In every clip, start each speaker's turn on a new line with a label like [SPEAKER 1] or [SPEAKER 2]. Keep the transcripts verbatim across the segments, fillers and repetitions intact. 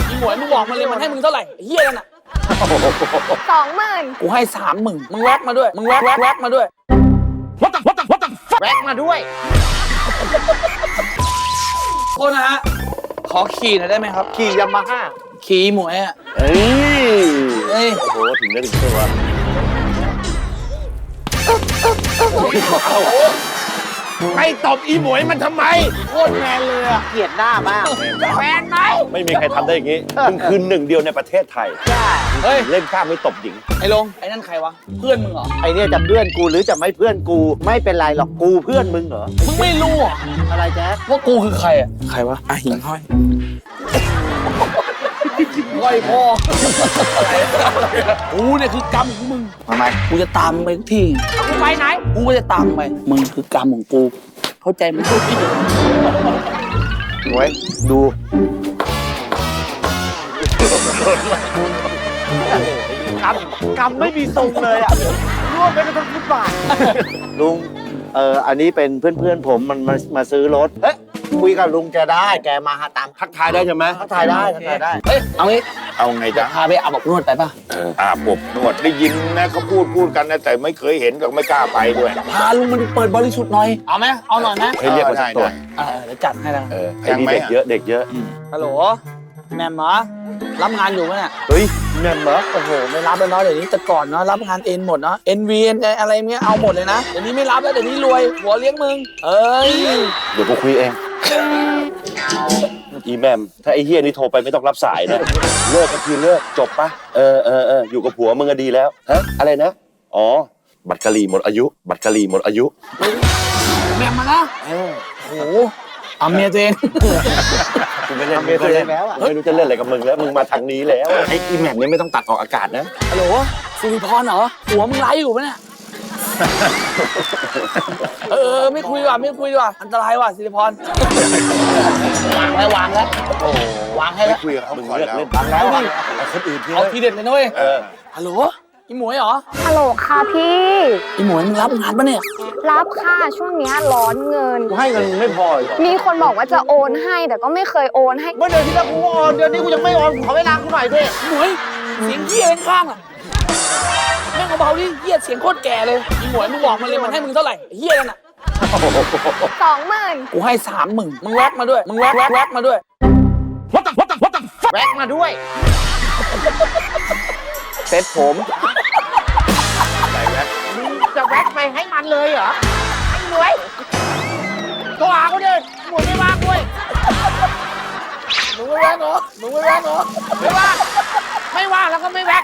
[SPEAKER 1] อีหมวยมึงบอกมาเลยมันให้มึงเท่าไหร่เฮียนั่นน่ะ
[SPEAKER 2] สองหมื่น
[SPEAKER 1] กูให้สามหมื่นมึงแวกมาด้วยมึงแวกแวกแวกมาด้วยวัดตังวัดตังวัดตัง
[SPEAKER 3] แวกมาด้วย
[SPEAKER 1] โทษนะฮะขอขี่หน่อยได้ไหมครับ
[SPEAKER 3] ขี่ยามาฮ่า
[SPEAKER 1] ขี่หมวยอ่ะ
[SPEAKER 3] เฮ้ย
[SPEAKER 1] เฮ้ย
[SPEAKER 3] โอ้โหถึงได้ถึงตัวไปตบอีหมวยมันทำไม
[SPEAKER 1] โคตรแมนเลยอะ
[SPEAKER 3] เกลียดหน้ามาก
[SPEAKER 1] แมนไหม
[SPEAKER 3] ไม่มีใครทำได้อย่างนี้มึงคือหนึ่งเดียวในประเทศไทย
[SPEAKER 1] เฮ้ย
[SPEAKER 3] เล่นข้ามไม่ตบหญิง
[SPEAKER 1] ไอ้ลงไอ้นั่นใครวะเพื่อนมึงเหรอ
[SPEAKER 3] ไอ้เนี่ยจะเพื่อนกูหรือจะไม่เพื่อนกูไม่เป็นไรหรอกกูเพื่อนมึงเหรอ
[SPEAKER 1] มึงไม่รู้
[SPEAKER 3] อะไรแจ๊ค
[SPEAKER 1] ว่ากูคือใครอะใครวะอ่ะหิ่งห้อยห้อยพ่อกูเนี่ยคือกรรมของมึง
[SPEAKER 3] ทำไม
[SPEAKER 1] กูจะตามมึงไปทุกที่
[SPEAKER 2] กูไปไหน
[SPEAKER 1] กูก็จะตามไปมึงคือกรรมของกูเข้าใจไหม
[SPEAKER 3] หมวยดูกำกำไม่มีทรงเลยอ่ะร่วมไปทั้งฟุตบาทลุงเอออันนี้เป็นเพื่อนๆผมมันมามาซื้อรถเฮ้ยคุยกับลุงแกได้แกมาหาตามทักทายได้ใช่ไหมทักทายได้ทักทายได้
[SPEAKER 1] เฮ้ยเอางี้
[SPEAKER 4] เอาไงจ๊ะ
[SPEAKER 1] พาไปอาบอบนวดไปป่ะ
[SPEAKER 4] เอออาบอบนวดได้ยินนะเขาพูดพูดกันนะแต่ไม่เคยเห็นก็ไม่กล้าไปด้วย
[SPEAKER 1] พาลุงมันเปิดบริสุทธิ์หน่อยเอาไหมเอาหน่อยไหม
[SPEAKER 3] ให้เรียกมาสักตัว
[SPEAKER 1] เออเดี๋ยวจัดให้ละ
[SPEAKER 4] เออ
[SPEAKER 3] ไอ้นี่เด็กเยอะเด็กเยอะ
[SPEAKER 1] ฮัลโหลแมมเหรอรับงานอยู่ไหมเนี่ย
[SPEAKER 3] เฮ้ยแมมเหรอ
[SPEAKER 1] โอ้โหไม่รับแล้วเนาะเดี๋ยวนี้แต่ก่อนเนาะรับงานเอ็นหมดเนาะเอ็นวีอะไรเงี้ยเอาหมดเลยนะเดี๋ยวนี้ไม่รับแล้วเดี๋ยวนี้รวยหัวเลี้ยงมึงเอ้ย
[SPEAKER 3] เดี๋ยวกูคุยเองอีแมมถ้าไอ้เฮียนี่โทรไปไม่ต้องรับสายนะเลิกก็คือเลิกจบปะเออเออเอออยู่กับผัวมึงก็ดีแล้วฮะอะไรนะอ๋อบัตรกะหรี่หมดอายุบัตรกะหรี่หมดอายุ
[SPEAKER 1] แมมมานะโอ้โหเอาเมียตัวเอง
[SPEAKER 3] กูไม่เล่นเมียตัวเองแล้วไม่รู้จะเล่นอะไรกับมึงแล้วมึงมาทางนี้แล้วไอ้อีแมมนี่ไม่ต้องตัดออกอากาศนะ
[SPEAKER 1] ฮัลโหลสุริพรเหรอหัวมึงไลฟ์อยู่ปะเนี่ยเออไม่คุยว่ะไม่คุยว่ะอันตรายว่ะสิริพรวางแล้ววางแล้วโอ้วางให้แล้ว
[SPEAKER 4] คุยกับเขาก่อนแล้ว
[SPEAKER 3] วางแล้วเอาคนอื่น
[SPEAKER 1] เอาทีเด็ดเลยนุ้ยฮัลโหลอีหมวยเหรอ
[SPEAKER 2] ฮัลโหลค่ะพี่
[SPEAKER 1] อีหมวยมึงรับงานปะเนี่ย
[SPEAKER 2] รับค่ะช่วงนี้ร้อนเงิน
[SPEAKER 3] กูให้เงินไม่พอ
[SPEAKER 2] มีคนบอกว่าจะโอนให้แต่ก็ไม่เคยโอนให้
[SPEAKER 3] เมื่อเดือนที่แล้วกูโอนเดือนนี้กูยังไม่โอนขอเวลากูหน่อยด้วย
[SPEAKER 1] หมวยเสียงเหี้ยข้างอ่ะแม่งเบาดิเหี้ยเสียงโคตรแก่เลยอีหมวยมึงบอกมาเลยมันให้มึงเท่าไหร่เหี้ยนั่นน่ะ
[SPEAKER 2] สองหมื่น
[SPEAKER 1] กูให้สามหมื่นมึงแวกมาด้วยมึงแวกแวกแวกมาด้วย
[SPEAKER 3] วัดตังวัดตังวัดตังแวกมาด้วยเซ็ตผม
[SPEAKER 2] จะแวกไปให้มันเลยเหรอไอ้หมวยตัวหาเขาดิหมวยไม่ว่างด้วย
[SPEAKER 1] หนูไม่แวกเหรอหนูไม่แวกเหรอ
[SPEAKER 2] ไม่ว่างไม่ว่างแล้วก็ไม่แวก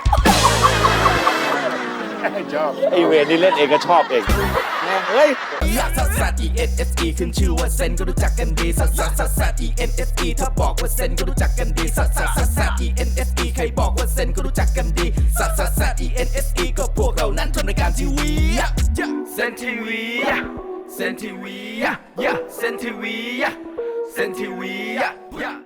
[SPEAKER 3] ชอบไอเวนี่เล่นเองก็ชอบเอง
[SPEAKER 1] เฮ้ย
[SPEAKER 5] ซัสซัส E N S E ขึ้นชื่อว่าเซนก็รู้จักกันดีซัสซัสซัสซัส E N S E ถ้าบอกว่าเซนก็รู้จักกันดีซัสซัสซัสซัส E N S E ใครบอกว่าเซนก็รู้จักกันดีซัสซัสซัส E N S E ก็พวกเรานั้นทำรายการทีวีเซนทีวีเซนทีวีเซนทีวีเซนทีวี